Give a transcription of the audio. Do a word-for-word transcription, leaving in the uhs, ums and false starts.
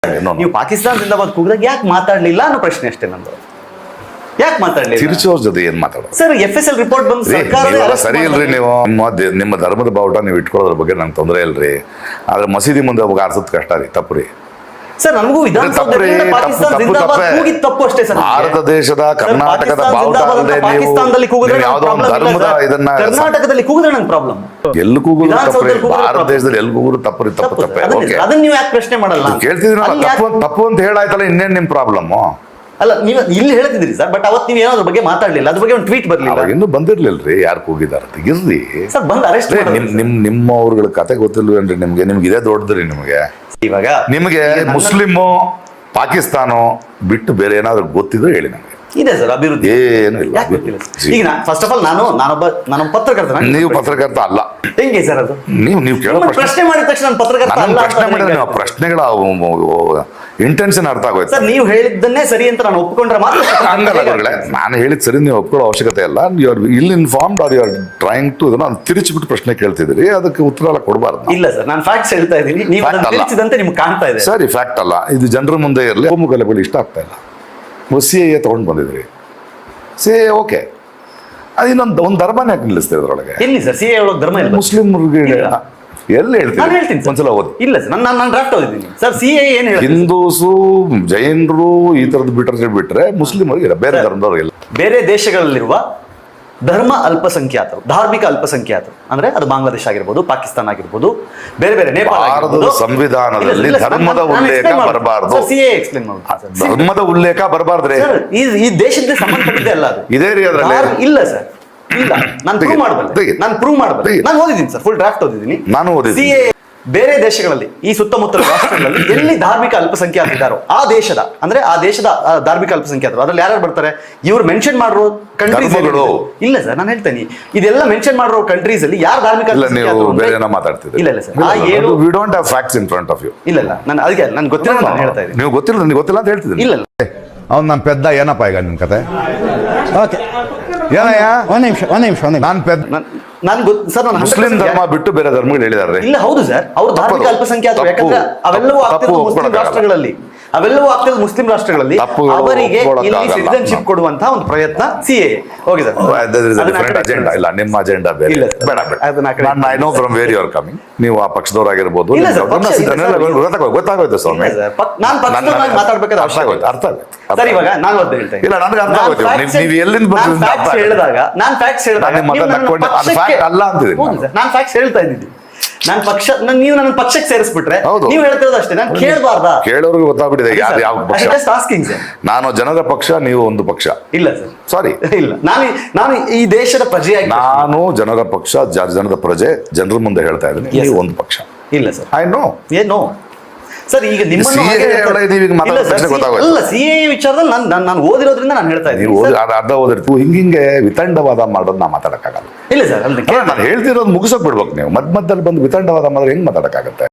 ನೀವು ಪಾಕಿಸ್ತಾನ ಜಿಂದಾಬಾದ್ ಕೂಗಿದಾಗ ಯಾಕೆ ಮಾತಾಡ್ಲಿಲ್ಲ ಅನ್ನೋ ಪ್ರಶ್ನೆ ಅಷ್ಟೇ ನಂದು. ಯಾಕೆ ಮಾತಾಡ್ಲಿಲ್ಲ? ತಿರುಚೋರ್ ಜೊತೆ ಏನ್ ಮಾತಾಡೋದು sir? F S L report ಬಂದು ಸರ್ಕಾರ ಸರಿ ಇಲ್ರಿ. ನೀವು ನಿಮ್ಮ ದೇ- ನಿಮ್ಮ ಧರ್ಮದ ಬಾವುಟ ನೀವು ಇಟ್ಕೊಳ್ಳೋದ್ರ ಬಗ್ಗೆ ನಂಗೆ ತೊಂದರೆ ಇಲ್ರಿ. ಆದ್ರೆ ಮಸೀದಿ ಮುಂದೆ ಹೋಗಿ ಆರ್ಸೋದ್ ಕಷ್ಟ ರೀ. ತಪ್ಪು ಸರ್. ನಮಗೂ ವಿಧಾನಸೌಧದಿಂದ ಪಾಕಿಸ್ತಾನ ಜಿಂದಾಬಾದ್ ಕೂಗಿದ ತಪ್ಪು ಅಷ್ಟೇ ಸರ್. ಭಾರತ ದೇಶದ ಕರ್ನಾಟಕದ ಬಾವುಟ ಅಲ್ಲದೆ ಪಾಕಿಸ್ತಾನದಲ್ಲಿ ಕೂಗಿದ್ರೆ ನೀವು ಯಾವುದೋ ಒಂದು ಧರ್ಮದ ಇದನ್ನ ಕರ್ನಾಟಕದಲ್ಲಿ ಕೂಗಿದ್ರೆ ನಂಗೆ ಪ್ರಾಬ್ಲಮ್. ಎಲ್ಲಿ ಕೂಗುದು ವಿಧಾನಸೌಧದಲ್ಲಿ ತಪ್ಪು ಕೂಗಿದ್ರೆ ಭಾರತ problem. ದೇಶದಲ್ಲಿ ಎಲ್ಲಿ ಕೂಗುದು ತಪ್ಪು ರೀ. ತಪ್ಪು ತಪ್ಪೆ ಓಕೆ ಅದನ್ನ ನೀವು ಯಾಕೆ ಪ್ರಶ್ನೆ ಮಾಡಲ್ಲ? ಕೇಳ್ತಿದ್ರಲ್ಲ ಅಲ್ಲಿ ತಪ್ಪು ಯಾಕೆ- ತಪ್ಪು ಅಂತ ಹೇಳಾಯ್ತಲ್ಲ, ಇನ್ನೇನ್ ನಿಮ್ ಪ್ರಾಬ್ಲಮ್? ಅಲ್ಲ, ನೀವು ಇಲ್ಲಿ ಹೇಳ್ತಿದ್ರಿ ಸರ್, ಬಟ್ ಅವತ್ತು ನೀವು ಏನೋ ಅದ್ರ ಬಗ್ಗೆ ಮಾತಾಡ್ಲಿಲ್ಲ. ಅದ್ರ ಬಗ್ಗೆ ಒಂದು ಟ್ವೀಟ್ ಬರ್ಲಿಲ್ಲ ಅವಾಗ ಇನ್ನೂ ಬಂದಿರ್ಲಿಲ್ರಿ ಯಾರು ಕೂಗಿದಾರ ಇರ್ರಿ. ಸರ್. ಬಂದು ಅರೆಸ್ಟ್ ನಿಮ್ ನಿಮ್ ನಿಮ್ಮ ಅವ್ರಗಳ ಕತೆ ಗೊತ್ತಿಲ್ವೇನ್ರಿ ನಿಮ್ಗೆ? ನಿಮ್ಗೆ ಇದೇ ದೊಡ್ಡದ್ರಿ ನಿಮ್ಗೆ. ಇವಾಗ ನಿಮಗೆ ಮುಸ್ಲಿಮು ಪಾಕಿಸ್ತಾನ ಬಿಟ್ಟು ಬೇರೆ ಏನಾದ್ರು ಗೊತ್ತಿದ್ರೆ ಹೇಳಿ ನಮ್ಗೆ. ಇದೆ ಸರ್ ಅಭಿವೃದ್ಧಿ. ಏನು ಇಲ್ಲ. ಯಾಕೆ ಗೊತ್ತಿಲ್ಲ ಸರ್? ಈಗ ಫಸ್ಟ್ ಆಫ್ ಆಲ್ ನಾನು ನಾನೊಬ್ಬ ನಾನೊಬ್ಬ ಪತ್ರಕರ್ತ. ನೀವು ಪತ್ರಕರ್ತ ಅಲ್ಲ. ಹೆಂಗೆ ಸರ್ ಅದು? ನೀವು ನೀವು ಕೇಳೋ ನಿಮ್ಮನ್ನ ಪ್ರಶ್ನೆ ಪ್ರಶ್ನೆ ಮಾಡಿದ ತಕ್ಷಣ ನಾನು ಪತ್ರಕರ್ತ ನನ್ನ ಅಲ್ಲ ಅಂತ ಪ್ರಶ್ನೆ ಮಾಡಿದ್ರೆ ಹೆಂಗೆ ನೀವು ಪ್ರಶ್ನೆಗಳ ಇಂಟೆನ್ಷನ್ ಅರ್ಥ ಆಗೋಯ್ತು. ಸರ್, ನೀವು ಹೇಳಿದ್ದನ್ನೇ ಸರಿ ಅಂತ ನಾನು ಒಪ್ಪಿಕೊಂಡ್ರೆ ಮಾತ್ರ ಹಂಗಲ್ಲ ಗುರುಗಳೇ, ನಾನು ಹೇಳಿದ್ ಸರಿ ನೀವು ಒಪ್ಕೊಳ್ಳೋ ಅವಶ್ಯಕತೆ ಇಲ್ಲ. You are ill informed are you are trying to ಇದನ್ನ ತಿರುಚಿಬಿಟ್ಟು ಪ್ರಶ್ನೆ ಕೇಳ್ತಿದ್ರಿ, ಅದಕ್ಕೆ ಉತ್ತರ ಎಲ್ಲ ಕೊಡಬಾರ್ದು. ಇಲ್ಲ ಸರ್, ನಾನು ಫ್ಯಾಕ್ಟ್ಸ್ ಹೇಳ್ತಾ ಇದ್ದೀನಿ. ನೀವು Fact ಅದನ್ನ ಅಲ್ಲ. ತಿಳಿಸಿದಂತೆ ನಿಮ್ಗೆ ಕಾಣ್ತಾ ಇದೆ. ಸರಿ, ಫ್ಯಾಕ್ಟ್ ಅಲ್ಲ ಇದು. ಜನರ ಮುಂದೆ ಇರಲಿ. ಹೋಮುಗಲಗಳು ಇಷ್ಟ ಆಗ್ತಾ ಇಲ್ಲ. ಸಿ ಎ ತಗೊಂಡು ಬಂದಿದ್ರಿ. ಸಿ ಎ ಓಕೆ, ಅದು ಇನ್ನೊಂದು ಒಂದು ಧರ್ಮನೇ ಯಾಕೆ ನಿಲ್ಲಿಸ್ತೀವಿ ಅದ್ರೊಳಗೆ? ಎಲ್ಲಿ ಸರ್ ಸಿ ಎ ಒಳಗೆ ಧರ್ಮ ಇಲ್ಲ? ಮುಸ್ಲಿಮ್ರಿಗೆ ಇಲ್ಲ. ಎಲ್ಲಿ ನಾನು ಹೇಳ್ತೀನಿ ಹೇಳ್ತೀನಿ ಸರ್. ಒಂದ್ಸಲ ಓದಿ. ಇಲ್ಲ ಸರ್, ನಾನು ನಾನು ಡ್ರಾಫ್ಟ್ ಓದಿದ್ದೀನಿ ಸರ್. ಸಿ ಎ ಏನು ಹೇಳಿ ಹಿಂದೂಸು ಜೈನರು ಈ ತರದ್ದು ಬಿಟ್ರೆ ಬಿಟ್ರೆ ಮುಸ್ಲಿಮರಿಗೆ ಇಲ್ಲ, ಬೇರೆ ಧರ್ಮದವ್ರಿಗಿಲ್ಲ. ಬೇರೆ ದೇಶಗಳಲ್ಲಿರುವ ಧರ್ಮ ಅಲ್ಪಸಂಖ್ಯಾತರು, ಧಾರ್ಮಿಕ ಅಲ್ಪಸಂಖ್ಯಾತರು ಅಂದ್ರೆ ಅದು ಬಾಂಗ್ಲಾದೇಶ ಆಗಿರ್ಬೋದು, ಪಾಕಿಸ್ತಾನ ಆಗಿರ್ಬೋದು, ಬೇರೆ ಬೇರೆ ನೇಪಾಳ ಭಾರತದ ಸಂವಿಧಾನದಲ್ಲಿ ಧರ್ಮದ ಉಲ್ಲೇಖ ಬರಬಾರ್ದು. ಸಿ ಎ ಎಕ್ಸ್ಪ್ಲೇನ್ ಮಾಡಿ. ಧರ್ಮದ ಉಲ್ಲೇಖ ಬರಬಾರ್ದ್ರಿ. ಸರ್, ಈ ಈ ದೇಶಕ್ಕೆ ಸಂಬಂಧಪಟ್ಟಿದೆ ಅಲ್ಲ ಅದು. ಇದೇ ರೀ ಅದ್ರಲ್ಲಿ. ಧಾರ್- ಇಲ್ಲ ಸರ್, ಇಲ್ಲ. ನಾನು ಪ್ರೂವ್ ತೆಗಿ- ಮಾಡಬಲ್ಲೆ. ತೆಗಿ. ನಾನು ಪ್ರೂವ್ ಮಾಡಬಲ್ಲೆ. ತೆಗಿ. ನಾನು ಓದಿದ್ದೀನಿ ಸರ್, ಫುಲ್ ಡ್ರಾಫ್ಟ್ ಓದಿದ್ದೀನಿ. ನಾನು ಓದಿದ್ದೀನಿ. ಸಿ ಎ ಬೇರೆ ದೇಶಗಳಲ್ಲಿ, ಈ ಸುತ್ತಮುತ್ತಲ ರಾಷ್ಟ್ರಗಳಲ್ಲಿ ಎಲ್ಲಿ ಧಾರ್ಮಿಕ ಅಲ್ಪಸಂಖ್ಯಾತರು ಇದ್ದಾರೋ ಆ ದೇಶದ ಅಂದ್ರೆ ಆ ದೇಶದ ಆ, ಧಾರ್ಮಿಕ ಅಲ್ಪಸಂಖ್ಯಾತರು ಅದ್ರಲ್ಲಿ ಯಾರು ಬರ್ತಾರೆ? ಇವ್ರು ಮೆನ್ಷನ್ ಮಾಡಿರೋ ಕಂಟ್ರೀಸ್ ಧರ್ಮಗಳು. ಇಲ್ಲ ಸರ್, ನಾನು ಹೇಳ್ತೇನೆ ಇದೆಲ್ಲ ಮೆನ್ಷನ್ ಮಾಡಿರೋ ಕಂಟ್ರೀಸ್ ಅಲ್ಲಿ ಯಾರು ಧಾರ್ಮಿಕ ಇಲ್ಲ, ನೀವು ಅಲ್ಪಸಂಖ್ಯಾತರು ಅಂದ್ರೆ- ಬೇರೆ ಏನೋ ಮಾತಾಡ್ತಿದ್ದೀರಿ. ಇಲ್ಲ ಇಲ್ಲ ಸರ್, ಆ ಏಳು we don't have facts in front of you. ಇಲ್ಲ ಇಲ್ಲ, ನಾನು ಅದಕ್ಕೆ ನನ್ಗೆ ಗೊತ್ತಿಲ್ಲ ನಾನು ಹೇಳ್ತಾ ಇದ್ದೀನಿ. ನೀವು ಗೊತ್ತಿಲ್ಲ, ನನಗೆ ಗೊತ್ತಿಲ್ಲ ಅಂತ ಹೇಳ್ತಿದ್ದೀನಿ. ಇಲ್ಲ ಇಲ್ಲ ಅವ್ನು ನಮ್ಮ ಪೆದ್ದ ಏನಪ್ಪ ಈಗ ನಿಮ್ ಕತೆ ಓಕೆ, ಏನಯ್ಯ? ಒಂದ್ ನಿಮಿಷ ಒಂದ್ ನಿಮಿಷ ಒಂದ್ ನಿಮಿಷ ನಾನು ಪೆದ್ದ ನಾನು ಗೊತ್ತು ಸರ್. ನಾನು ಮುಸ್ಲಿಂ ಧರ್ಮ ಬಿಟ್ಟು ಬೇರೆ ಧರ್ಮಗಳು ಹೇಳಿದಾರೆ. ಇಲ್ಲ, ಹೌದು ಸರ್, ಅವರು ಧಾರ್ಮಿಕ ತಪ್ಪು. ಅಲ್ಪಸಂಖ್ಯಾತರು. ತಪ್ಪು. ಯಾಕಂದ್ರೆ ಅವೆಲ್ಲವೂ ತಪ್ಪು ಆಗ್ತಿರೋದು ಮುಸ್ಲಿಂ ಒಪ್ಕೊಳಕ್ಕಾಗಲ್ಲ. ರಾಷ್ಟ್ರಗಳಲ್ಲಿ ಅವೆಲ್ಲವೂ ಆಗ್ತಿರೋದು ಮುಸ್ಲಿಂ ರಾಷ್ಟ್ರಗಳಲ್ಲಿ ತಪ್ಪುಗಳು ಅವರಿಗೆ ಇಲ್ಲಿ ಒಪ್ಕೊಳಕ್ಕಾಗಲ್ಲ. ಸಿಟಿಜನ್ಶಿಪ್ ಕೊಡುವಂತಹ ಒಂದು ಪ್ರಯತ್ನ C A. Okay sir, different agenda. ಇಲ್ಲ, ನಿಮ್ಮ ಅಜೆಂಡಾ ಬೇರೆ. ಇಲ್ಲ ಸರ್. ಬೇಡ ಅದನ್ನ ಆ ಕಡೆ ಬೇಡ. I know from where you are coming. ನೀವು ಆ ಪಕ್ಷದವರಾಗಿರ್ಬೋದು. ಇಲ್ಲ ಸರ್, ಪಕ್ಷ ಇಲ್ಲ ಇದನ್ನೆಲ್ಲ ಸರ್. ಗೊತ್ತಾಗೋಯ್ತು ಗೊತ್ತಾಗೋಯ್ತು ಸ್ವಾಮಿ. ಇಲ್ಲ ಸರ್, ಪಕ್- ನಾನು ಪಕ್ಷದವರಾಗಿ ಮಾತಾಡ್ಬೇಕಾದ್ರೆ ಅರ್ಥ ಆಗೋಯ್ತು ಅರ್ಥ ಆಗೋಯ್ತು. ಸರ್, ಇವಾಗ ನಾನು ಒದ್ದು ಹೇಳ್ತಾ ಇದ್ದೀನಿ. ಇಲ್ಲ, ನನಗೆ ಅರ್ಥ ನಾನು ಆಗೋಯ್ತು. facts ನೀವು- ನೀವು ಎಲ್ಲಿಂದ ನಾನು ಬಂದಿದ್ದೀರಿ ಅಂತ facts ಅರ್ಥ ಹೇಳಿದಾಗ ನಾನು ಫ್ಯಾಕ್ಟ್ಸ್ ಹೇಳಿದಾಗ ನಾನು ನಿಮ್ಮ ನೀವು ಮಾತನ್ನ ನನ್ನ ನಕ್ಕೊಂಡು ಅದು ಪಕ್ಷಕ್ಕೆ- fact ಅಲ್ಲ ಅಂತಿದ್ದೀನಿ ಹೌದು ನಾನು. ಸರ್, ನಾನು ಫ್ಯಾಕ್ಟ್ಸ್ ಹೇಳ್ತಾ ಇದ್ದೀನಿ. ನಾನು ಪಕ್ಷ ನನ್- ನೀವು ನನ್ನ ಪಕ್ಷಕ್ಕೆ ಸೇರಿಸ್ಬಿಟ್ರೆ ಹೌದು. ನೀವು ಹೇಳ್ತಿರೋದು ಅಷ್ಟೇ. ನಾನು ಕೇಳಬಾರ್ದಾ? ಕೇಳೋರ್ಗೆ ಗೊತ್ತಾಗ್ಬಿಟ್ಟಿದೆ ಯಾರು ಯಾವ ಪಕ್ಷ. Just asking sir. ನಾನು ಜನರ ಪಕ್ಷ, ನೀವು ಒಂದು ಪಕ್ಷ. ಇಲ್ಲ ಸರ್, ಸಾರಿ, ಇಲ್ಲ. ನಾನು ನಾನು ಈ ದೇಶದ ಪ್ರಜೆಯಾಗಿ ನಾನು ಜನರ ಪಕ್ಷ, ಜ- ಜನದ ಪ್ರಜೆ, ಜನರ ಮುಂದೆ ಹೇಳ್ತಾ ಇದ್ದೀನಿ. Yes, ನೀವು sir. ಒಂದು ಪಕ್ಷ. ಇಲ್ಲ ಸರ್, ಐ ನೋ. ಏನೋ ಸರ್, ಈಗ ನಿಮ್ಮ C A ಒಳಗೆ ನೀವು ಈಗ ಮಾತಾಡೋ ಪ್ರಶ್ನೆ ಗೊತ್ತಾಗೋಯ್ತು. ಅಲ್ಲ, ಸಿ ಎ ವಿಚಾರದಲ್ಲಿ ನಾನು ನಾನು ನಾನು ಓದಿರೋದ್ರಿಂದ ನಾನು ಹೇಳ್ತಾ ನೀವು ಇದ್ದೀನಿ ಓದಿ ಸರ್. ಅರ್ಧ ಅರ್ಧ ಓದಿರ್ತೀವಿ. ಹಿಂಗಿಂಗೆ ವಿತಂಡವಾದ ಮಾಡೋದು ನಾ ಮಾತಾಡಕ್ಕಾಗಲ್ಲ. ಇಲ್ಲ ಸರ್, ಅಲ್ಲಿ ನಾನು ಹೇಳ್ತಿರೋದು ಮುಗಿಸೋಕ್ ಬಿಡ್ಬೇಕು. ನೀವು ಮಧ್ಯ ಮಧ್ಯದಲ್ಲಿ ಬಂದು ವಿತಂಡವಾದ ಮಾಡಿದ್ರೆ ಹೆಂಗ್ ಮಾತಾಡಕ್ಕಾಗತ್ತೆ?